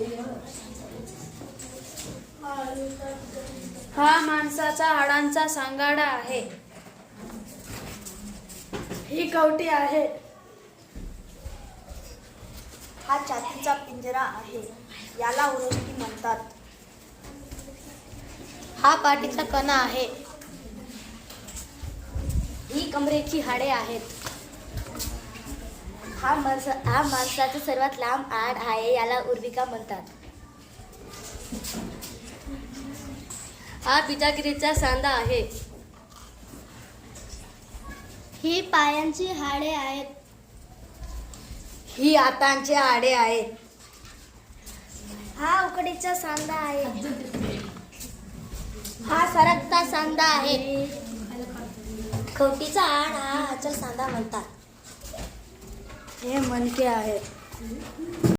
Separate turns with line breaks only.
हा माणसाचा हाडांचा सांगाडा आहे. ही कवटी आहे.
हा छातीचा पिंजरा आहे, याला उरस्ती म्हणतात.
हा पाठीचा कणा आहे. ही कमरेची हाडे आहेत. हा माणसाचा सर्वात लांब आड आहे, याला उर्विका म्हणतात. हा बिजागिरीचा सांधा आहे. ही पायांची हाडे आहेत.
ही हातांची हाडे आहेत.
हा उकडीचा सांधा आहे. हा सरकता सांधा आहे. खवटीचा आड हा हाचा सांधा म्हणतात.
हे मणके आहेत.